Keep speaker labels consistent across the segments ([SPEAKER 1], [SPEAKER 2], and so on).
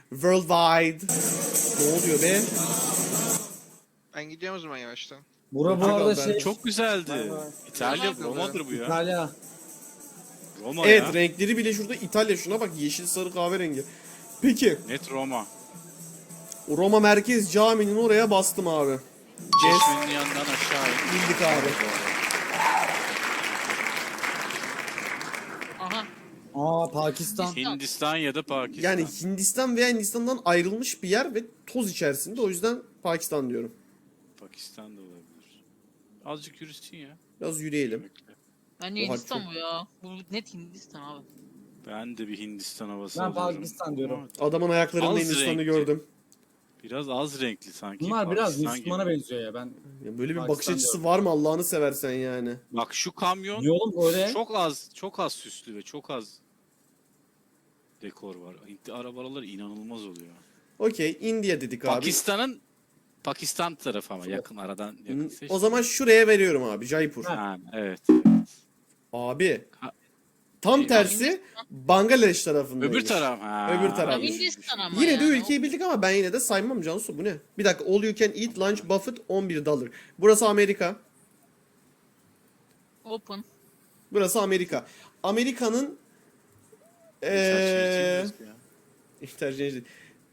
[SPEAKER 1] Worldwide. Ne oluyor be?
[SPEAKER 2] Ben gidiyorum o zaman yavaştan.
[SPEAKER 3] Bura bu
[SPEAKER 1] Portakal
[SPEAKER 3] arada
[SPEAKER 1] ben
[SPEAKER 3] şey.
[SPEAKER 4] Çok güzeldi.
[SPEAKER 3] Vay vay.
[SPEAKER 4] İtalya,
[SPEAKER 2] Tamam.
[SPEAKER 4] Roma'dır bu ya.
[SPEAKER 3] İtalya.
[SPEAKER 4] Roma
[SPEAKER 1] Evet,
[SPEAKER 4] ya.
[SPEAKER 1] renkleri bile şurada İtalya. Şuna bak, yeşil, sarı, kahverengi. Peki,
[SPEAKER 4] Net Roma.
[SPEAKER 1] Roma Merkez Camii'nin oraya bastım abi.
[SPEAKER 4] Çeşmenin yanından aşağı in.
[SPEAKER 1] Bildik abi.
[SPEAKER 5] Aha.
[SPEAKER 3] Aa Pakistan.
[SPEAKER 4] Hindistan ya da Pakistan.
[SPEAKER 1] Yani Hindistan veya Hindistan'dan ayrılmış bir yer ve toz içerisinde. O yüzden Pakistan diyorum.
[SPEAKER 4] Pakistan da olabilir. Azıcık yürüsün ya.
[SPEAKER 1] Biraz yürüyelim.
[SPEAKER 4] Bekle.
[SPEAKER 5] Bence
[SPEAKER 1] Oha,
[SPEAKER 5] Hindistan
[SPEAKER 1] çok-
[SPEAKER 5] bu ya. Bu net Hindistan abi.
[SPEAKER 4] Ben de bir Hindistan havası
[SPEAKER 3] Ben
[SPEAKER 4] alıyorum.
[SPEAKER 3] Pakistan diyorum.
[SPEAKER 4] Ama
[SPEAKER 1] Adamın ayaklarında
[SPEAKER 4] Az
[SPEAKER 1] Hindistan'ı
[SPEAKER 4] renkli.
[SPEAKER 1] gördüm.
[SPEAKER 4] biraz az renkli sanki.
[SPEAKER 3] Bunlar biraz
[SPEAKER 4] Pakistan
[SPEAKER 3] Müslümana
[SPEAKER 4] gibi.
[SPEAKER 3] benziyor ya ben.
[SPEAKER 1] Ya böyle bir
[SPEAKER 3] Pakistan
[SPEAKER 1] bakış açısı
[SPEAKER 3] diyorum.
[SPEAKER 1] var mı Allah'ını seversen yani?
[SPEAKER 4] Bak şu kamyon
[SPEAKER 3] Yolum öyle.
[SPEAKER 4] çok az süslü ve çok az dekor var. Arabalar inanılmaz oluyor.
[SPEAKER 1] Okey, India dedik abi.
[SPEAKER 4] Pakistan tarafı ama yakın aradan yakın seç.
[SPEAKER 1] O zaman şuraya veriyorum abi, Jaipur.
[SPEAKER 3] Ha.
[SPEAKER 4] Ha, evet.
[SPEAKER 1] Abi.
[SPEAKER 4] Ha.
[SPEAKER 1] Tam
[SPEAKER 4] Şey,
[SPEAKER 1] tersi Bangladeş tarafındaymış.
[SPEAKER 4] Öbür taraf. Ha.
[SPEAKER 1] Öbür taraf.
[SPEAKER 5] Ya Hindistan ama
[SPEAKER 1] Yine de
[SPEAKER 5] yani.
[SPEAKER 1] ülkeyi bildik ama ben yine de saymam Cansu, bu ne? Bir dakika, all you can eat lunch Buffett $11. Burası Amerika.
[SPEAKER 5] Open.
[SPEAKER 1] Burası Amerika. Amerika'nın interchange değil.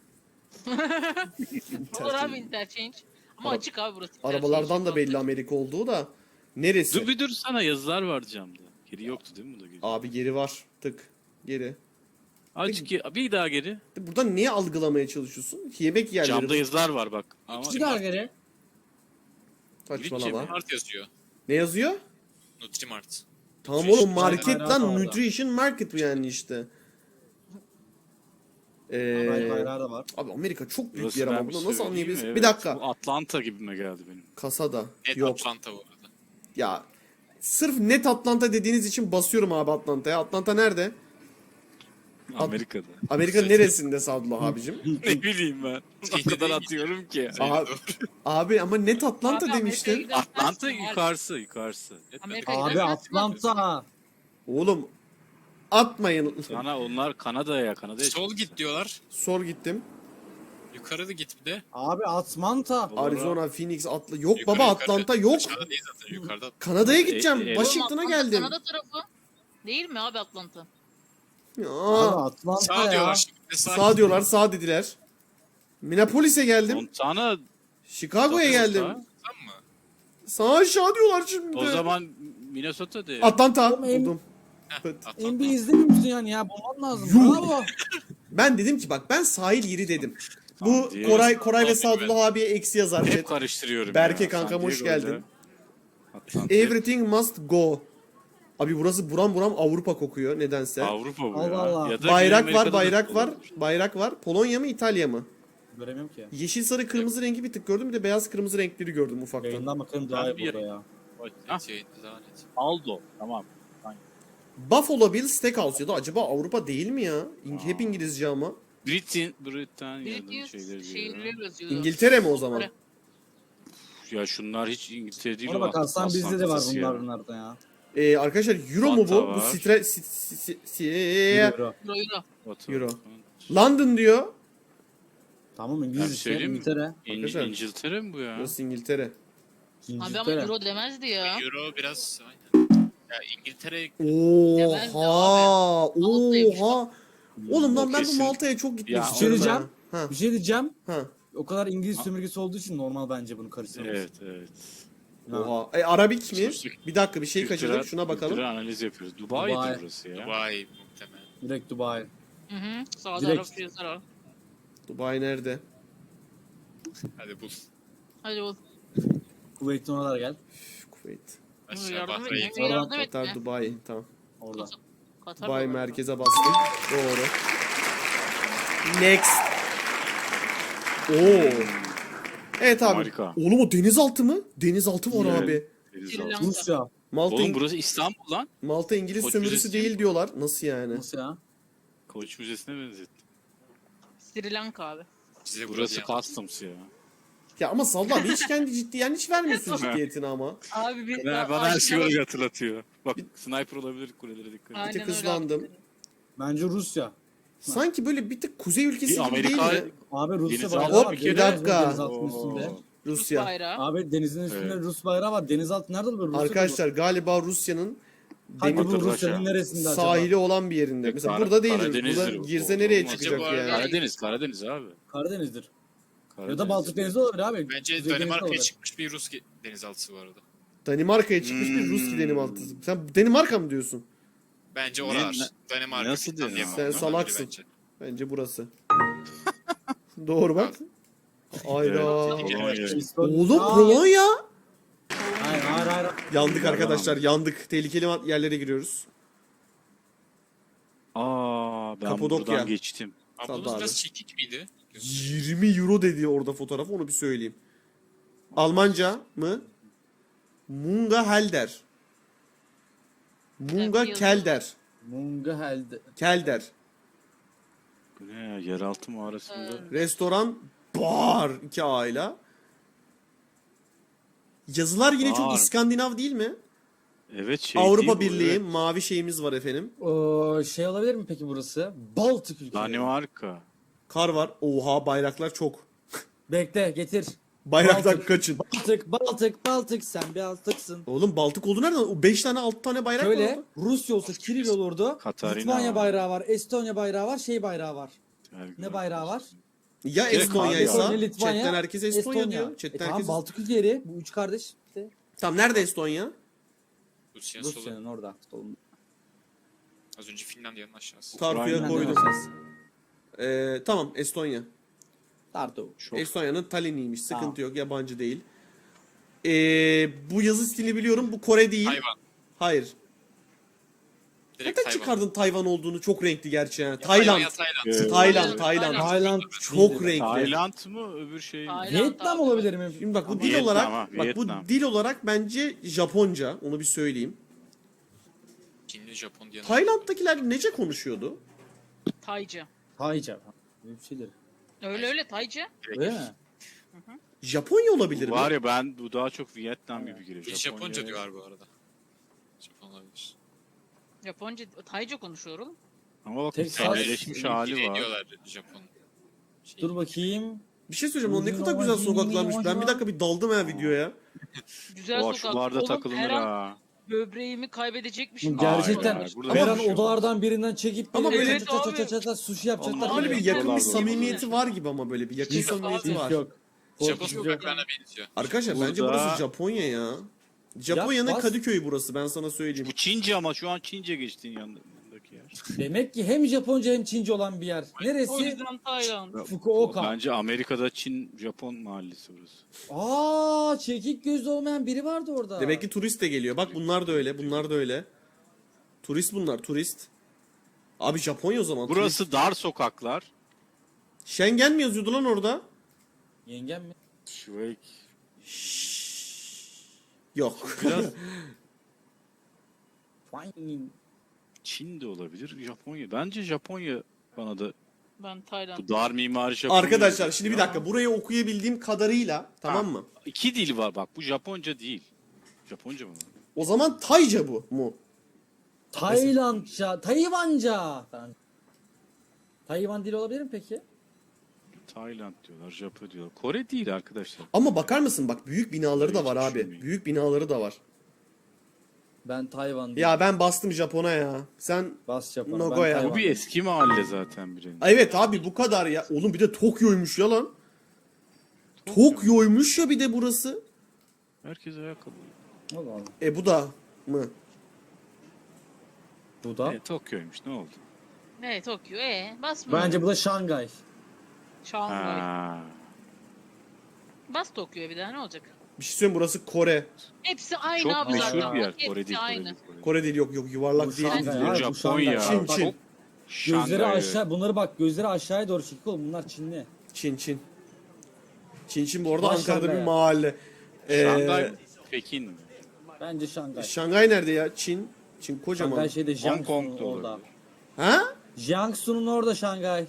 [SPEAKER 5] Olur abi interchange. Ama
[SPEAKER 1] Ara-
[SPEAKER 5] açık abi burası.
[SPEAKER 1] Arabalardan da belli Amerika olduğu da. Neresi?
[SPEAKER 4] Dur sana yazılar var camda. Geri yoktu değil mi bu da gece?
[SPEAKER 1] Abi geri var. Tık. Geri.
[SPEAKER 4] Azıcık bir daha geri.
[SPEAKER 1] Burada niye algılamaya çalışıyorsun? Yemek yerleri.
[SPEAKER 4] Camda yazılar var bak. Ama
[SPEAKER 3] İki daha geri.
[SPEAKER 1] Saçmalama.
[SPEAKER 6] Mart yazıyor.
[SPEAKER 1] Ne yazıyor?
[SPEAKER 6] Nutrimart.
[SPEAKER 1] Tamam
[SPEAKER 6] Nutrition
[SPEAKER 1] oğlum, market
[SPEAKER 3] bayrağı
[SPEAKER 1] lan,
[SPEAKER 3] da orada.
[SPEAKER 1] nutrition market bu yani işte.
[SPEAKER 3] Bayrağı da var.
[SPEAKER 1] Abi Amerika çok büyük
[SPEAKER 4] burası
[SPEAKER 1] bir yer ama
[SPEAKER 4] ben bir
[SPEAKER 1] bunu nasıl
[SPEAKER 4] söyleyeyim
[SPEAKER 1] anlayabiliriz?
[SPEAKER 4] mi?
[SPEAKER 1] Bir
[SPEAKER 4] Evet,
[SPEAKER 1] dakika.
[SPEAKER 4] Bu Atlanta gibime geldi benim.
[SPEAKER 1] Kasada.
[SPEAKER 6] Net
[SPEAKER 1] Yok.
[SPEAKER 6] Atlanta bu arada.
[SPEAKER 1] Ya sırf net Atlanta dediğiniz için basıyorum abi Atlanta'ya. Atlanta nerede?
[SPEAKER 4] Amerika'da.
[SPEAKER 1] Amerika'nın neresinde Sadullah abicim?
[SPEAKER 4] Ne bileyim ben. O kadar atıyorum ki.
[SPEAKER 1] Abi ama net Atlanta demiştin.
[SPEAKER 4] Atlanta yukarısı.
[SPEAKER 3] Abi Atlanta.
[SPEAKER 1] Oğlum atmayın.
[SPEAKER 4] Onlar Kanada'ya
[SPEAKER 6] Sol git diyorlar.
[SPEAKER 1] Sor gittim.
[SPEAKER 6] Yukarı da git bir de.
[SPEAKER 3] Abi Atlanta.
[SPEAKER 1] Arizona, Phoenix, Yok
[SPEAKER 6] Yukarı,
[SPEAKER 1] baba,
[SPEAKER 6] yukarı.
[SPEAKER 1] Atlanta yok.
[SPEAKER 6] Aşağıda değil zaten yukarıda.
[SPEAKER 1] Kanada'ya gideceğim. Washington'a
[SPEAKER 5] Oğlum,
[SPEAKER 1] geldim.
[SPEAKER 5] Kanada tarafı. Değil mi abi Atlanta?
[SPEAKER 1] Ya,
[SPEAKER 3] Abi Atlanta
[SPEAKER 6] Sağ
[SPEAKER 3] ya.
[SPEAKER 6] diyorlar şimdi.
[SPEAKER 1] sağ diyorlar, sağ dediler. Minneapolis'e geldim.
[SPEAKER 4] Montana
[SPEAKER 1] Chicago'ya geldim.
[SPEAKER 6] Tamam mı?
[SPEAKER 1] Sağ aşağı diyorlar şimdi.
[SPEAKER 4] O zaman Minnesota de.
[SPEAKER 1] Atlanta
[SPEAKER 3] Oğlum,
[SPEAKER 1] buldum.
[SPEAKER 6] Atlanta.
[SPEAKER 3] NBA izlemiyor musun yani ya? Bulman lazım.
[SPEAKER 1] Yuh.
[SPEAKER 3] Bravo.
[SPEAKER 1] Ben dedim ki bak, ben sahil yeri dedim. Bu
[SPEAKER 4] San Diego.
[SPEAKER 1] Koray ve
[SPEAKER 6] San Diego.
[SPEAKER 1] Sadullah abiye eksi yazar.
[SPEAKER 4] Hep
[SPEAKER 1] Evet.
[SPEAKER 4] karıştırıyorum.
[SPEAKER 1] Berke
[SPEAKER 4] ya.
[SPEAKER 1] kankam,
[SPEAKER 4] San
[SPEAKER 1] hoş
[SPEAKER 4] Diego'yla
[SPEAKER 1] geldin.
[SPEAKER 4] Atlanta.
[SPEAKER 1] Everything must go. Abi burası buram buram Avrupa kokuyor nedense.
[SPEAKER 4] Avrupa bu
[SPEAKER 3] Allah
[SPEAKER 4] ya.
[SPEAKER 3] Allah.
[SPEAKER 4] Ya da
[SPEAKER 1] Bayrak
[SPEAKER 4] Güney
[SPEAKER 1] var,
[SPEAKER 4] Amerika'da da
[SPEAKER 1] bayrak var,
[SPEAKER 4] olabilir.
[SPEAKER 1] bayrak var. Polonya mı, İtalya mı?
[SPEAKER 3] Göremiyorum ki.
[SPEAKER 1] Yeşil, sarı, kırmızı rengi bir tık gördüm. Bir de beyaz, kırmızı renkleri gördüm ufaktan.
[SPEAKER 3] Yayından bakalım daha
[SPEAKER 4] Ben
[SPEAKER 3] iyi
[SPEAKER 4] bir-
[SPEAKER 3] burada ya.
[SPEAKER 4] Ah,
[SPEAKER 6] Şey, daha net.
[SPEAKER 4] Aldo. Tamam.
[SPEAKER 1] Buffalo Bill Steakhouse ya da acaba Avrupa değil mi ya? Hep İngilizce ama.
[SPEAKER 4] Britanya'nın
[SPEAKER 5] British
[SPEAKER 4] şeyleri diyor.
[SPEAKER 5] şehirleri yazıyordu.
[SPEAKER 1] İngiltere mi o zaman?
[SPEAKER 4] Ya şunlar hiç İngiltere değil.
[SPEAKER 3] Ona
[SPEAKER 4] o
[SPEAKER 3] bakarsan bizde de var
[SPEAKER 4] Atlanta'sı ya.
[SPEAKER 3] bunlarda ya.
[SPEAKER 1] Arkadaşlar Euro mu bu?
[SPEAKER 4] Fanta
[SPEAKER 1] Bu
[SPEAKER 4] var.
[SPEAKER 3] Euro.
[SPEAKER 5] Euro.
[SPEAKER 4] Batı.
[SPEAKER 1] Euro. London diyor.
[SPEAKER 3] Tamam
[SPEAKER 4] Ben
[SPEAKER 3] İngiliz
[SPEAKER 4] bir
[SPEAKER 3] işte
[SPEAKER 4] söyleyeyim mi?
[SPEAKER 3] İngiltere.
[SPEAKER 1] Arkadaşlar.
[SPEAKER 4] İngiltere mi bu ya?
[SPEAKER 1] Burası İngiltere.
[SPEAKER 5] Abi ama
[SPEAKER 3] İngiltere.
[SPEAKER 5] Euro demezdi ya.
[SPEAKER 6] Euro biraz aynen. Ya İngiltere
[SPEAKER 1] Oha!
[SPEAKER 5] Malta'ymış
[SPEAKER 1] Oha! Oğlum lan,
[SPEAKER 4] O
[SPEAKER 1] ben bu
[SPEAKER 4] kesin.
[SPEAKER 1] Malta'ya çok gitmek
[SPEAKER 4] Ya,
[SPEAKER 1] istiyorum.
[SPEAKER 3] bir şey diyeceğim.
[SPEAKER 1] Ha.
[SPEAKER 3] Bir şey diyeceğim.
[SPEAKER 1] Ha.
[SPEAKER 3] O kadar İngiliz sömürgesi olduğu için normal bence bunu karıştırması.
[SPEAKER 4] Evet.
[SPEAKER 3] Ha.
[SPEAKER 1] Oha. Arabik mi?
[SPEAKER 4] Sus.
[SPEAKER 1] Bir dakika, bir şey kaçırdım. Şuna bakalım.
[SPEAKER 4] Kültürel analiz yapıyoruz. Dubai'dir
[SPEAKER 3] Dubai.
[SPEAKER 4] burası ya.
[SPEAKER 6] Dubai muhtemelen.
[SPEAKER 3] Direkt Dubai.
[SPEAKER 5] Hı hı. Sağda
[SPEAKER 3] Direkt.
[SPEAKER 5] Arap yazar var.
[SPEAKER 1] Dubai nerede?
[SPEAKER 6] Hadi bul.
[SPEAKER 5] Hadi ol.
[SPEAKER 3] Kuveyt'ten oralara gel.
[SPEAKER 1] Kuveyt.
[SPEAKER 6] Aşağı
[SPEAKER 5] Yardım
[SPEAKER 6] Bahreyn.
[SPEAKER 5] et. Yardım
[SPEAKER 1] Katar,
[SPEAKER 5] et.
[SPEAKER 1] Dubai. Tamam.
[SPEAKER 3] Orada.
[SPEAKER 5] Katar
[SPEAKER 1] Dubai
[SPEAKER 5] var.
[SPEAKER 1] merkeze bastım. Doğru. Next. Oo. Evet abi.
[SPEAKER 4] Harika.
[SPEAKER 1] Oğlum o denizaltı mı? Denizaltı var
[SPEAKER 4] Evet.
[SPEAKER 1] abi.
[SPEAKER 4] Denizaltı.
[SPEAKER 5] Lanka.
[SPEAKER 3] Rusya.
[SPEAKER 1] Malta,
[SPEAKER 4] Oğlum burası İstanbul lan.
[SPEAKER 1] Malta İngiliz
[SPEAKER 4] Koç
[SPEAKER 1] sömürüsü
[SPEAKER 4] Müzesi
[SPEAKER 1] değil
[SPEAKER 4] mi?
[SPEAKER 1] diyorlar. Nasıl yani?
[SPEAKER 3] Nasıl ya?
[SPEAKER 4] Koç Müzesi'ne benzettim.
[SPEAKER 5] Sri Lanka abi.
[SPEAKER 6] Size
[SPEAKER 4] Burası
[SPEAKER 6] burası
[SPEAKER 4] Customs ya.
[SPEAKER 1] Ya ama Sallı abi hiç kendi yani hiç vermiyorsun ciddiyetini ama.
[SPEAKER 5] Abi bir
[SPEAKER 4] Bana her şeyi oraya hatırlatıyor. Bak sniper olabilir kulelere dikkat et.
[SPEAKER 5] Aynen
[SPEAKER 1] Bir tık
[SPEAKER 5] öyle
[SPEAKER 1] hızlandım.
[SPEAKER 5] abi.
[SPEAKER 3] Bence Rusya.
[SPEAKER 1] Sanki böyle bir tık kuzey ülkesi
[SPEAKER 4] Bir
[SPEAKER 1] gibi
[SPEAKER 4] Amerika-
[SPEAKER 1] değil mi?
[SPEAKER 3] Abi Rusya
[SPEAKER 4] Deniz
[SPEAKER 3] bayrağı
[SPEAKER 1] altı
[SPEAKER 3] var.
[SPEAKER 1] bir
[SPEAKER 3] Deniz
[SPEAKER 1] dakika.
[SPEAKER 3] denizaltının üstünde.
[SPEAKER 5] Rus
[SPEAKER 1] Rusya.
[SPEAKER 5] bayrağı.
[SPEAKER 3] Abi denizin üstünde
[SPEAKER 4] Evet.
[SPEAKER 3] Rus bayrağı var. Denizaltı nerede olur? Rusya'da
[SPEAKER 1] Arkadaşlar galiba Rusya'nın
[SPEAKER 3] Hadi
[SPEAKER 1] demir
[SPEAKER 3] bu
[SPEAKER 4] Rusya.
[SPEAKER 3] Rusya'nın neresinde acaba?
[SPEAKER 1] sahili olan bir yerinde. Mesela
[SPEAKER 4] Kara-
[SPEAKER 1] burada değildir.
[SPEAKER 4] Karadeniz'dir
[SPEAKER 1] Burada
[SPEAKER 4] bu.
[SPEAKER 1] girse nereye
[SPEAKER 4] Olmaz.
[SPEAKER 1] çıkacak
[SPEAKER 6] Bu arada-
[SPEAKER 1] yani?
[SPEAKER 4] Karadeniz abi.
[SPEAKER 3] Karadeniz'dir. Ya
[SPEAKER 4] Karadeniz.
[SPEAKER 3] da Baltık Denizi olabilir abi.
[SPEAKER 6] Bence
[SPEAKER 3] Kuzey Denizi
[SPEAKER 6] Danimarka'ya
[SPEAKER 3] olabilir.
[SPEAKER 6] çıkmış bir Rus denizaltısı bu arada.
[SPEAKER 1] Danimarka'ya çıkmış bir Rus denizaltısı. Sen Danimarka mı diyorsun?
[SPEAKER 6] Bence
[SPEAKER 4] Ne-
[SPEAKER 6] oralar.
[SPEAKER 4] ne-
[SPEAKER 6] Danimarka.
[SPEAKER 4] nasıl
[SPEAKER 6] Finlandiya
[SPEAKER 4] diyorsun?
[SPEAKER 6] falan
[SPEAKER 1] Sen
[SPEAKER 6] olabilir
[SPEAKER 1] salaksın.
[SPEAKER 6] bence.
[SPEAKER 1] Bence burası. Doğru bak. Ayda.
[SPEAKER 4] Polonya.
[SPEAKER 1] Oğlum
[SPEAKER 3] Aa,
[SPEAKER 1] Polonya.
[SPEAKER 3] Hayır hayır hayır.
[SPEAKER 1] Yandık arkadaşlar yandık. Tehlikeli yerlere giriyoruz.
[SPEAKER 4] Aa ben
[SPEAKER 1] Kapadokya.
[SPEAKER 4] buradan geçtim.
[SPEAKER 6] Ablamız
[SPEAKER 1] Tabii
[SPEAKER 6] biraz
[SPEAKER 1] abi.
[SPEAKER 6] çekik miydi?
[SPEAKER 1] 20 euro dedi orada fotoğraf, onu bir söyleyeyim. Almanca mı? Munga Helder. Munga
[SPEAKER 5] Evet,
[SPEAKER 1] Kelder.
[SPEAKER 3] Mungahelde.
[SPEAKER 1] Kelder.
[SPEAKER 4] Bu ne ya? Yeraltı mağarasında.
[SPEAKER 1] Restoran bar 2 aile. Yazılar yine çok
[SPEAKER 4] Bar.
[SPEAKER 1] İskandinav değil mi?
[SPEAKER 4] Evet şey
[SPEAKER 1] Avrupa
[SPEAKER 4] değil bu,
[SPEAKER 1] Birliği
[SPEAKER 4] evet.
[SPEAKER 1] mavi şeyimiz var efendim.
[SPEAKER 3] Şey olabilir mi peki burası? Baltık ülkeleri.
[SPEAKER 4] Danimarka.
[SPEAKER 1] Kar var. Oha bayraklar çok.
[SPEAKER 3] Bekle getir.
[SPEAKER 1] Bayraktan
[SPEAKER 3] Baltık.
[SPEAKER 1] kaçın.
[SPEAKER 3] Baltık sen bir Baltıksın.
[SPEAKER 1] Oğlum Baltık oldu nereden? O 5 tane 6 tane bayrak var
[SPEAKER 3] Şöyle
[SPEAKER 1] orada.
[SPEAKER 3] Rusya olsa Kiril olurdu.
[SPEAKER 4] Katarina
[SPEAKER 3] Litvanya
[SPEAKER 4] var.
[SPEAKER 3] bayrağı var, Estonya bayrağı var, şey bayrağı var.
[SPEAKER 4] Belgrad.
[SPEAKER 3] Ne bayrağı var?
[SPEAKER 1] Ya
[SPEAKER 4] Direkt
[SPEAKER 1] Estonya'ysa
[SPEAKER 3] Estonya, Litvanya,
[SPEAKER 1] chatten herkes Estonya diyor. Chatten
[SPEAKER 3] tamam
[SPEAKER 1] herkes...
[SPEAKER 3] Baltık ülkeleri bu üç kardeş işte.
[SPEAKER 1] Tamam nerede Estonya?
[SPEAKER 6] Rusya solu.
[SPEAKER 3] Rusya'nın orada. Solunda.
[SPEAKER 6] Az önce Finlandiya'nın aşağısı.
[SPEAKER 1] Tartu'ya
[SPEAKER 4] Ukrayna'nın
[SPEAKER 1] koydum.
[SPEAKER 3] aşağısı.
[SPEAKER 1] Tamam Estonya.
[SPEAKER 3] Tartu.
[SPEAKER 4] Çok
[SPEAKER 1] Estonya'nın Tallinn'iymiş. Sıkıntı
[SPEAKER 3] Tamam.
[SPEAKER 1] yok. Yabancı değil. Bu yazı stilini biliyorum. Bu Kore değil.
[SPEAKER 6] Tayvan.
[SPEAKER 1] Hayır.
[SPEAKER 6] Direkt
[SPEAKER 1] Neden
[SPEAKER 6] Tayvan.
[SPEAKER 1] çıkardın Tayvan olduğunu? Çok renkli gerçi yani.
[SPEAKER 6] Tayvan
[SPEAKER 1] Tayland.
[SPEAKER 6] ya Tayland.
[SPEAKER 4] Evet.
[SPEAKER 1] Tayland.
[SPEAKER 5] Tayland.
[SPEAKER 1] Tayland.
[SPEAKER 3] Tayland.
[SPEAKER 1] Çok renkli.
[SPEAKER 4] Tayland mı öbür şey mi?
[SPEAKER 5] Tayland.
[SPEAKER 3] Vietnam olabilir mi?
[SPEAKER 1] Şimdi bak bu
[SPEAKER 3] Ama
[SPEAKER 1] dil
[SPEAKER 4] Vietnam
[SPEAKER 1] olarak
[SPEAKER 4] ha,
[SPEAKER 1] bak
[SPEAKER 4] Vietnam.
[SPEAKER 1] bu dil olarak bence Japonca. Onu bir söyleyeyim.
[SPEAKER 6] Çinli, Japon diye.
[SPEAKER 1] Tayland'dakiler nece konuşuyordu?
[SPEAKER 5] Tayca.
[SPEAKER 3] Tayca. Böyle bir şeydir.
[SPEAKER 5] Öyle Tayca.
[SPEAKER 3] Öyle mi?
[SPEAKER 1] Japonya olabilir mi?
[SPEAKER 4] Var ya ben bu daha çok Vietnam gibi geliyor.
[SPEAKER 6] Bir Japonca diyorlar bu arada. Japon olabilir.
[SPEAKER 5] Japonca, Tayca konuşuyor oğlum.
[SPEAKER 4] Ama bak
[SPEAKER 3] Tek
[SPEAKER 4] sadeleşmiş hali
[SPEAKER 6] İngilizce
[SPEAKER 4] var.
[SPEAKER 6] diyorlar Japon. Şey,
[SPEAKER 3] Dur bakayım.
[SPEAKER 1] Bir şey söyleyeceğim. O ne kadar güzel sokaklarmış. Ben bir dakika bir daldım ha videoya.
[SPEAKER 5] Güzel
[SPEAKER 4] Oha
[SPEAKER 5] sokak.
[SPEAKER 4] şularda
[SPEAKER 5] Oğlum,
[SPEAKER 4] takılır
[SPEAKER 5] her an
[SPEAKER 4] ha.
[SPEAKER 5] böbreğimi kaybedecekmişim.
[SPEAKER 3] Gerçekten.
[SPEAKER 4] Hayır, burada
[SPEAKER 3] Her an
[SPEAKER 1] konuşuyor.
[SPEAKER 3] odalardan birinden çekip
[SPEAKER 1] Ama
[SPEAKER 3] böyle
[SPEAKER 1] böyle-
[SPEAKER 3] çat çat çat çat çat sushi yapacaklar.
[SPEAKER 4] Ama
[SPEAKER 1] Böyle bir
[SPEAKER 5] Evet,
[SPEAKER 1] yakın bir
[SPEAKER 4] doğru.
[SPEAKER 1] samimiyeti var gibi ama böyle bir yakın
[SPEAKER 5] Hiç yok
[SPEAKER 1] samimiyeti
[SPEAKER 5] abi.
[SPEAKER 1] var.
[SPEAKER 3] Yok.
[SPEAKER 6] Japon
[SPEAKER 3] Korkutucu yok.
[SPEAKER 6] sokaklarına benziyor.
[SPEAKER 1] Arkadaşlar bence
[SPEAKER 4] Burada-
[SPEAKER 1] burası Japonya ya. Japonya'nın
[SPEAKER 3] bas.
[SPEAKER 1] Kadıköy'ü burası, ben sana söyleyeyim.
[SPEAKER 4] Bu Çince ama şu an Çince geçtiğin yanındaki yer.
[SPEAKER 3] Demek ki hem Japonca hem Çince olan bir yer.
[SPEAKER 5] O
[SPEAKER 3] Neresi?
[SPEAKER 5] yüzden Tayland.
[SPEAKER 3] Fukuoka.
[SPEAKER 4] Bence Amerika'da Çin Japon mahallesi burası.
[SPEAKER 3] Aa, çekik gözlü olmayan biri vardı orada.
[SPEAKER 1] Demek ki turist de geliyor. Bak bunlar da öyle, bunlar da öyle. Turist bunlar, turist. Abi Japonya o zaman. turist.
[SPEAKER 4] Burası dar sokaklar.
[SPEAKER 1] Schengen mi yazıyordu lan orada?
[SPEAKER 3] Yengem mi?
[SPEAKER 4] Şveyk.
[SPEAKER 1] Yok.
[SPEAKER 4] Biraz
[SPEAKER 3] Fine.
[SPEAKER 4] Çin de olabilir. Japonya. Bence Japonya bana da
[SPEAKER 5] Ben Tayland.
[SPEAKER 4] bu dar mimari Japonya.
[SPEAKER 1] Arkadaşlar şimdi bir dakika, burayı okuyabildiğim kadarıyla, tamam mı?
[SPEAKER 4] İki dil var bak. Bu Japonca değil. Japonca mı?
[SPEAKER 1] O zaman Tayca bu mu?
[SPEAKER 3] Taylandca, Tayvanca. Tayvan dili olabilir mi peki?
[SPEAKER 4] Tayland diyorlar, Japon diyorlar. Kore değil arkadaşlar.
[SPEAKER 1] Ama bakar mısın bak, büyük binaları da var
[SPEAKER 4] Hiç
[SPEAKER 1] abi.
[SPEAKER 4] düşünmeyin.
[SPEAKER 1] Büyük binaları da var.
[SPEAKER 3] Ben Tayvan diyorum.
[SPEAKER 1] Ya ben bastım Japon'a ya. Sen
[SPEAKER 3] Bas Japon'a.
[SPEAKER 1] Nagoya.
[SPEAKER 3] ben
[SPEAKER 1] Bu
[SPEAKER 3] Tayvan
[SPEAKER 4] Bu bir
[SPEAKER 3] diyorum.
[SPEAKER 4] eski mahalle zaten bir
[SPEAKER 1] evet abi bu kadar ya. Oğlum bir de Tokyo'ymuş ya lan. Tokyo'ymuş ya bir de burası.
[SPEAKER 4] Herkes ayakkabı.
[SPEAKER 3] Allah Allah.
[SPEAKER 1] Bu da mı?
[SPEAKER 3] Bu da.
[SPEAKER 4] Tokyo'ymuş ne oldu?
[SPEAKER 5] Ne Tokyo? Basma.
[SPEAKER 3] Bence bu da Şangay.
[SPEAKER 5] Şanghay.
[SPEAKER 4] Ha.
[SPEAKER 5] Bas Tokyo'ya bir daha ne olacak?
[SPEAKER 1] Bir şey söyleyeyim, burası Kore.
[SPEAKER 5] Hepsi aynı
[SPEAKER 4] Çok
[SPEAKER 5] abi zaten.
[SPEAKER 4] meşhur bir yer.
[SPEAKER 5] Hepsi
[SPEAKER 4] Kore değil, Kore
[SPEAKER 5] aynı.
[SPEAKER 4] değil. Kore değil.
[SPEAKER 1] Kore değil, yok
[SPEAKER 3] Bu
[SPEAKER 1] yuvarlak değil.
[SPEAKER 3] Şangay.
[SPEAKER 4] Bu
[SPEAKER 3] Hayır, bu
[SPEAKER 4] Japonya.
[SPEAKER 3] Şangay.
[SPEAKER 1] Çin, Çin.
[SPEAKER 3] Gözleri
[SPEAKER 4] Şangay,
[SPEAKER 3] aşağı. Bunları bak gözleri aşağıya doğru çekik oğlum. Bunlar Çinli.
[SPEAKER 1] Çin, Çin. Çin bu arada
[SPEAKER 3] Baş
[SPEAKER 1] Ankara'da
[SPEAKER 3] Şangay.
[SPEAKER 1] bir mahalle.
[SPEAKER 4] Şangay, Pekin mi?
[SPEAKER 3] Bence Şangay.
[SPEAKER 1] Şangay nerede ya? Çin. Çin kocaman.
[SPEAKER 3] Şangay şeyde
[SPEAKER 4] Hong Kong'da
[SPEAKER 3] Jiangsu'nun orada.
[SPEAKER 4] olabilir.
[SPEAKER 1] Ha?
[SPEAKER 3] Jiangsu'nun orada Şangay.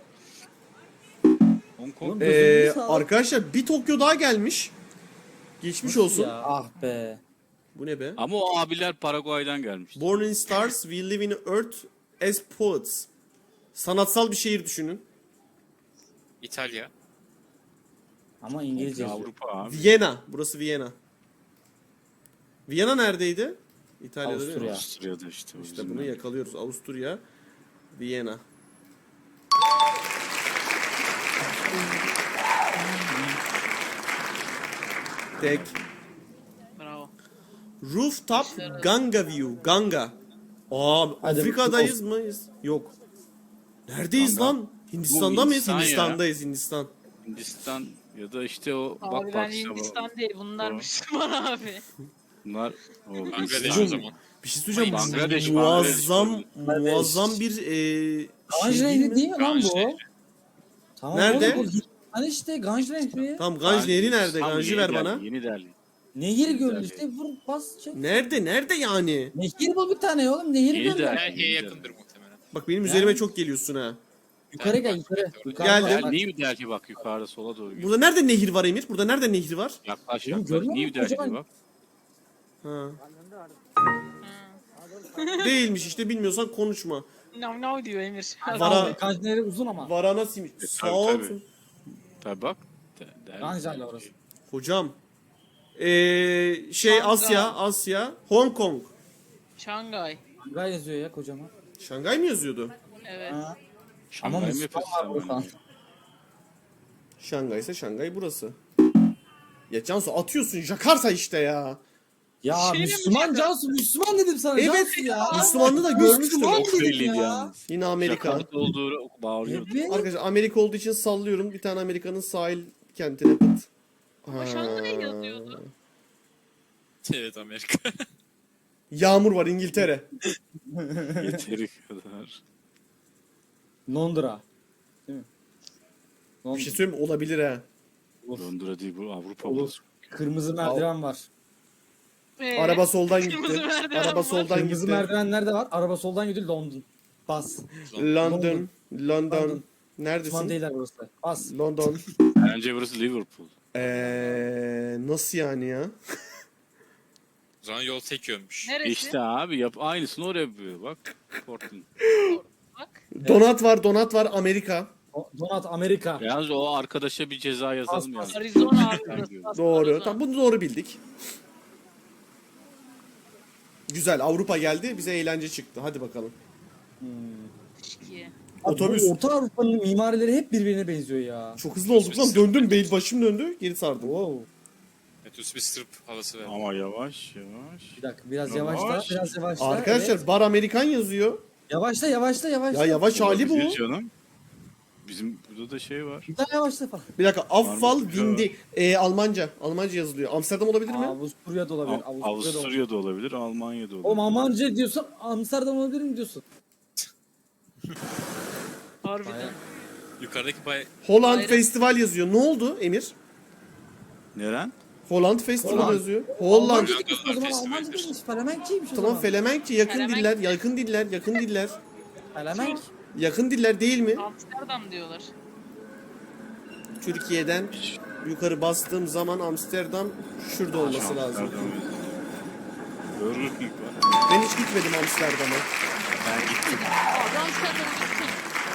[SPEAKER 4] Hong Kong.
[SPEAKER 3] Oğlum, gözünü sağ-
[SPEAKER 1] Arkadaşlar bir Tokyo daha gelmiş. Geçmiş olsun.
[SPEAKER 3] Ya, ah be.
[SPEAKER 1] Bu ne be?
[SPEAKER 4] Ama o abiler Paraguay'dan gelmiş.
[SPEAKER 1] Born in stars, we live in earth as poets. Sanatsal bir şehir düşünün.
[SPEAKER 6] İtalya.
[SPEAKER 3] Ama İngilizce yazıyor.
[SPEAKER 4] Avrupa abi.
[SPEAKER 1] Viyana. Burası Viyana. Viyana neredeydi? İtalya'da değil mi?
[SPEAKER 3] Avusturya.
[SPEAKER 4] Avusturya'da işte. o
[SPEAKER 1] İşte
[SPEAKER 4] bizim
[SPEAKER 1] bunu
[SPEAKER 4] memleket.
[SPEAKER 1] yakalıyoruz. Avusturya, Viyana. Tek.
[SPEAKER 5] Bravo.
[SPEAKER 1] Rooftop Ganga View. Ganga. Aa,
[SPEAKER 3] Hadi
[SPEAKER 1] Afrika'dayız mıyız? Yok. Neredeyiz
[SPEAKER 4] Ganga.
[SPEAKER 1] lan? Hindistan'da
[SPEAKER 4] Bu
[SPEAKER 1] mıyız?
[SPEAKER 4] Hindistan ya.
[SPEAKER 1] Hindistan'dayız Hindistan.
[SPEAKER 4] Hindistan ya da işte o
[SPEAKER 5] Abi
[SPEAKER 4] bak
[SPEAKER 5] ben
[SPEAKER 4] işte bu-
[SPEAKER 5] Hindistan değil. Bunlar
[SPEAKER 4] o-
[SPEAKER 5] Müslüman abi.
[SPEAKER 4] bunlar o
[SPEAKER 6] Bangladeş
[SPEAKER 4] Hindistan.
[SPEAKER 6] o zaman.
[SPEAKER 1] Bir şey söyleyeceğim.
[SPEAKER 4] Bangladeş,
[SPEAKER 1] Muazzam,
[SPEAKER 3] Bangladeş.
[SPEAKER 1] muazzam bir
[SPEAKER 3] Ganj
[SPEAKER 1] şey değil
[SPEAKER 3] Nehri
[SPEAKER 1] mi?
[SPEAKER 3] değil mi lan
[SPEAKER 6] Ganj
[SPEAKER 3] bu?
[SPEAKER 6] Nehri.
[SPEAKER 3] Tamam,
[SPEAKER 1] Nerede?
[SPEAKER 3] oğlum, bu Hani işte Ganj Nehri.
[SPEAKER 1] Tamam, Ganj Nehri nerede?
[SPEAKER 4] Tam
[SPEAKER 1] Ganj'ı
[SPEAKER 4] Yeni
[SPEAKER 1] ver
[SPEAKER 4] Delhi,
[SPEAKER 1] bana.
[SPEAKER 4] Yeni Delhi.
[SPEAKER 3] Nehir
[SPEAKER 4] Delhi.
[SPEAKER 3] gördü işte, vur bas çek.
[SPEAKER 1] Nerede? Nerede yani?
[SPEAKER 3] Nehir bul bir tane oğlum, nehir
[SPEAKER 4] Yeni
[SPEAKER 3] gördü.
[SPEAKER 4] Delhi.
[SPEAKER 6] Delhi'ye yakındır muhtemelen.
[SPEAKER 1] Bak benim
[SPEAKER 3] Yani-
[SPEAKER 1] üzerime çok geliyorsun ha.
[SPEAKER 3] Yukarı gel yukarı.
[SPEAKER 1] Geldim.
[SPEAKER 3] Yukarı bak.
[SPEAKER 4] New Delhi bak yukarıda sola doğru.
[SPEAKER 1] Burada nerede nehir var Emir? Burada nerede nehir var?
[SPEAKER 4] Yaklaş
[SPEAKER 3] Oğlum
[SPEAKER 4] yaklaş.
[SPEAKER 3] görmüyor
[SPEAKER 4] New
[SPEAKER 3] musun?
[SPEAKER 4] Delhi'de
[SPEAKER 3] Kocaman-
[SPEAKER 4] bak.
[SPEAKER 1] Ha. Değilmiş işte, bilmiyorsan konuşma.
[SPEAKER 5] No diyor Emir.
[SPEAKER 1] Vara-
[SPEAKER 3] Ganj Nehri uzun ama.
[SPEAKER 1] Varanasi'miş. Sağ
[SPEAKER 4] tabii,
[SPEAKER 1] ol.
[SPEAKER 4] tabii. Tabii bak. Delhi.
[SPEAKER 3] Ganj hala orası.
[SPEAKER 1] Hocam. Şey
[SPEAKER 5] Şangay.
[SPEAKER 1] Asya. Hong Kong.
[SPEAKER 5] Şangay.
[SPEAKER 3] Şangay yazıyor ya kocaman.
[SPEAKER 1] Şangay mı yazıyordu?
[SPEAKER 5] Evet.
[SPEAKER 3] Ha.
[SPEAKER 4] Şangay mı
[SPEAKER 3] Müslüman
[SPEAKER 4] yapıyorsun
[SPEAKER 3] var
[SPEAKER 4] sen
[SPEAKER 3] burada.
[SPEAKER 4] bana?
[SPEAKER 1] Şangay ise Şangay burası. Ya Cansu atıyorsun Jakarta işte ya.
[SPEAKER 3] Ya
[SPEAKER 5] Şey mi
[SPEAKER 3] Müslüman
[SPEAKER 5] bu?
[SPEAKER 3] Cansu, Müslüman dedim sana.
[SPEAKER 1] Evet
[SPEAKER 3] Cansu ya.
[SPEAKER 1] Müslümanlığı da görmüştüm.
[SPEAKER 3] Müslüman
[SPEAKER 4] Çok
[SPEAKER 3] dedim
[SPEAKER 4] belliydi
[SPEAKER 3] ya.
[SPEAKER 4] yalnız.
[SPEAKER 1] Yine Amerika.
[SPEAKER 4] Jakarta olduğu bağırıyordu.
[SPEAKER 3] Evet.
[SPEAKER 1] Arkadaşlar Amerika olduğu için sallıyorum. Bir tane Amerika'nın sahil kentine pıt.
[SPEAKER 5] Ama Şangay yazıyordu.
[SPEAKER 6] Evet, Amerika.
[SPEAKER 1] Yağmur var İngiltere.
[SPEAKER 4] Yeteri kadar.
[SPEAKER 3] Londra. Değil mi?
[SPEAKER 1] Bir
[SPEAKER 3] Londra.
[SPEAKER 1] şey söyleyeyim mi? Olabilir ha.
[SPEAKER 4] Londra değil bu Avrupa
[SPEAKER 3] Olur.
[SPEAKER 4] burası.
[SPEAKER 3] Kırmızı merdiven var.
[SPEAKER 1] Araba soldan
[SPEAKER 5] Kırmızı
[SPEAKER 1] gitti.
[SPEAKER 5] merdiven
[SPEAKER 1] Araba
[SPEAKER 5] var.
[SPEAKER 1] soldan
[SPEAKER 3] Kırmızı
[SPEAKER 1] gitti.
[SPEAKER 3] merdiven nerede var? Araba soldan gidiyor, London. Bas.
[SPEAKER 1] London. London.
[SPEAKER 3] Müslüman
[SPEAKER 1] Neredesin?
[SPEAKER 3] değiller burası. Bas.
[SPEAKER 1] London.
[SPEAKER 4] Bence burası Liverpool.
[SPEAKER 1] Nasıl yani ya?
[SPEAKER 6] O zaman yol tek yönmüş.
[SPEAKER 5] Neresi?
[SPEAKER 4] İşte abi yap aynısını oraya yapıyor bak. Portland.
[SPEAKER 5] Bak.
[SPEAKER 1] Donat var Amerika.
[SPEAKER 3] Donat Amerika.
[SPEAKER 4] Yalnız o arkadaşa bir ceza yazalım
[SPEAKER 3] Bas,
[SPEAKER 4] yani.
[SPEAKER 5] Arizona abi burası.
[SPEAKER 1] Doğru.
[SPEAKER 5] Arizona.
[SPEAKER 1] Tamam, bunu doğru bildik. Güzel, Avrupa geldi. Bize eğlence çıktı. Hadi bakalım.
[SPEAKER 5] İki.
[SPEAKER 1] Otobüs.
[SPEAKER 3] Bu Orta Avrupa'nın mimarileri hep birbirine benziyor ya.
[SPEAKER 1] Çok hızlı olduk lan. Döndüm. Başım döndü. Geri sardım.
[SPEAKER 3] Wow.
[SPEAKER 6] Metrobüs bir sırp havası ver.
[SPEAKER 4] Ama yavaş yavaş.
[SPEAKER 3] Bir dakika, biraz
[SPEAKER 4] Yavaş.
[SPEAKER 3] yavaşla, biraz yavaşla.
[SPEAKER 1] Arkadaşlar
[SPEAKER 3] Evet.
[SPEAKER 1] Bar Amerikan yazıyor.
[SPEAKER 3] Yavaşla, yavaşla, yavaşla.
[SPEAKER 1] Ya yavaş hali bu.
[SPEAKER 4] Olabilir canım. Bizim burada da şey var.
[SPEAKER 3] Bir daha yavaşla falan.
[SPEAKER 1] Bir dakika. Affal
[SPEAKER 4] Varmış.
[SPEAKER 1] Vindi. Almanca. Almanca yazılıyor. Amsterdam olabilir mi?
[SPEAKER 3] Avusturya'da olabilir. Avusturya'da olabilir.
[SPEAKER 4] Avusturya'da olabilir, Almanya'da olabilir.
[SPEAKER 3] Oğlum Almanca diyorsan Amsterdam olabilir mi diyorsun?
[SPEAKER 5] Harbiden.
[SPEAKER 6] Yukarıdaki bay...
[SPEAKER 1] Holland
[SPEAKER 5] Bayrak-
[SPEAKER 1] Festival yazıyor. Ne oldu Emir?
[SPEAKER 4] Neren?
[SPEAKER 1] Holland Festival
[SPEAKER 3] Holland.
[SPEAKER 1] yazıyor. Holland.
[SPEAKER 3] Almanca diyorsun o zaman,
[SPEAKER 6] Festivaldir.
[SPEAKER 3] Almanca değilmiş. Felemenkçiymiş o
[SPEAKER 1] Tamam,
[SPEAKER 3] zaman.
[SPEAKER 1] Felemenkçe yakın
[SPEAKER 5] Felemenk.
[SPEAKER 1] diller, yakın diller, yakın diller.
[SPEAKER 3] Felemenk.
[SPEAKER 1] Yakın diller değil mi?
[SPEAKER 5] Amsterdam diyorlar.
[SPEAKER 1] Türkiye'den yukarı bastığım zaman Amsterdam şurada olması lazım.
[SPEAKER 4] Burger King var.
[SPEAKER 1] Ben hiç gitmedim Amsterdam'a.
[SPEAKER 4] Ben gittim.
[SPEAKER 5] Abi Amsterdam'a gitsin.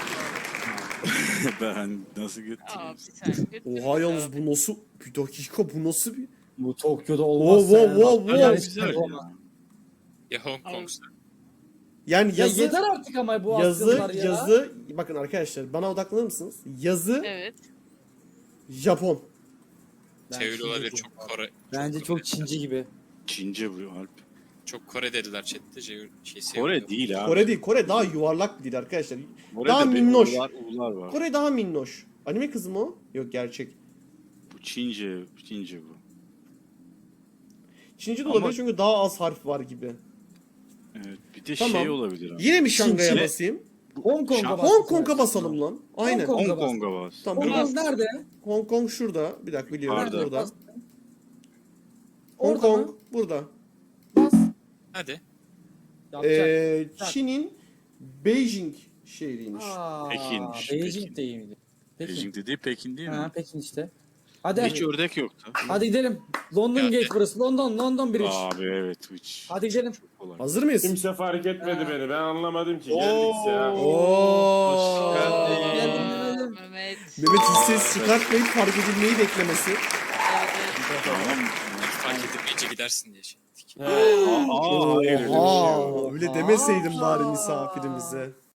[SPEAKER 4] Ben nasıl gittim?
[SPEAKER 5] Abi sen götür.
[SPEAKER 1] Oha yalnız bu nasıl? Bir dakika, bu nasıl bir...
[SPEAKER 3] Bu Tokyo'da olmaz.
[SPEAKER 1] Wow, wow, wow, wow.
[SPEAKER 3] Yani
[SPEAKER 4] Güzel
[SPEAKER 3] olmaz.
[SPEAKER 4] ya.
[SPEAKER 6] Ya Hong Kong'sa.
[SPEAKER 1] Yani
[SPEAKER 3] Ya
[SPEAKER 1] yazı,
[SPEAKER 3] yeter artık ama bu
[SPEAKER 1] yazı,
[SPEAKER 3] Asyalılar ya.
[SPEAKER 1] yazı... Bakın arkadaşlar, bana odaklanır mısınız? Yazı
[SPEAKER 5] Evet.
[SPEAKER 1] Japon.
[SPEAKER 3] Ben
[SPEAKER 6] Çeviri
[SPEAKER 3] Çince
[SPEAKER 6] olabilir,
[SPEAKER 3] çok-
[SPEAKER 6] çok Kore.
[SPEAKER 3] Bence çok Çince gibi.
[SPEAKER 4] Çince bu Alp.
[SPEAKER 6] Çok Kore dediler chatte.
[SPEAKER 4] Kore değil abi.
[SPEAKER 1] Kore değil, Kore daha yuvarlak bir dil arkadaşlar.
[SPEAKER 4] Kore'de
[SPEAKER 1] daha
[SPEAKER 4] bir
[SPEAKER 1] minnoş.
[SPEAKER 4] U'lar var.
[SPEAKER 1] Kore daha minnoş. Anime kızı mı o? Yok, gerçek.
[SPEAKER 4] Bu Çince bu.
[SPEAKER 1] Çince de
[SPEAKER 4] Ama-
[SPEAKER 1] olabilir çünkü daha az harf var gibi.
[SPEAKER 4] Evet. Bir de
[SPEAKER 1] Tamam.
[SPEAKER 4] şey olabilir abi.
[SPEAKER 1] Yine mi Şangay'a
[SPEAKER 4] Çince-
[SPEAKER 1] basayım?
[SPEAKER 3] Hong Kong'a
[SPEAKER 4] Şam-
[SPEAKER 3] bas.
[SPEAKER 1] Hong Kong'a basalım lan. Aynen.
[SPEAKER 3] Hong Kong.
[SPEAKER 4] Hong Kong'a bas.
[SPEAKER 1] Tamam,
[SPEAKER 3] Hong
[SPEAKER 1] burada.
[SPEAKER 3] Kong nerede?
[SPEAKER 1] Hong Kong şurada. Bir dakika, biliyorum.
[SPEAKER 4] Pardon.
[SPEAKER 1] Burada.
[SPEAKER 3] Bas.
[SPEAKER 1] Hong
[SPEAKER 3] Orada mı?
[SPEAKER 1] Kong burada.
[SPEAKER 3] Bas.
[SPEAKER 6] Hadi.
[SPEAKER 3] Yapacak.
[SPEAKER 1] Çin'in Beijing şehriymiş.
[SPEAKER 3] Aa,
[SPEAKER 4] Pekin'miş,
[SPEAKER 3] Beijing
[SPEAKER 4] Pekin.
[SPEAKER 3] değil miydi? Pekin.
[SPEAKER 4] Beijing dediği Pekin değil mi?
[SPEAKER 3] Ha, Pekin işte. Hadi.
[SPEAKER 4] Hiç ördek yoktu.
[SPEAKER 3] Hadi gidelim. London
[SPEAKER 6] Geldi.
[SPEAKER 3] Gate burası. London Bridge.
[SPEAKER 4] Abi evet hiç.
[SPEAKER 3] Hadi gidelim.
[SPEAKER 4] Çok kolay.
[SPEAKER 1] Hazır mıyız?
[SPEAKER 7] Kimse fark etmedi beni. Ben anlamadım ki. Geldik ya.
[SPEAKER 1] Oo.
[SPEAKER 3] Geldim.
[SPEAKER 5] Mehmet.
[SPEAKER 1] Mehmet hiç ses çıkartmayıp fark edilmeyi beklemesi.
[SPEAKER 5] Evet.
[SPEAKER 4] Tamam.
[SPEAKER 6] Fark edilmeyince gidersin diye şey.
[SPEAKER 4] Aa, hayır öyle bir şey yok.
[SPEAKER 1] Aa, öyle demeseydin bari misafirimize.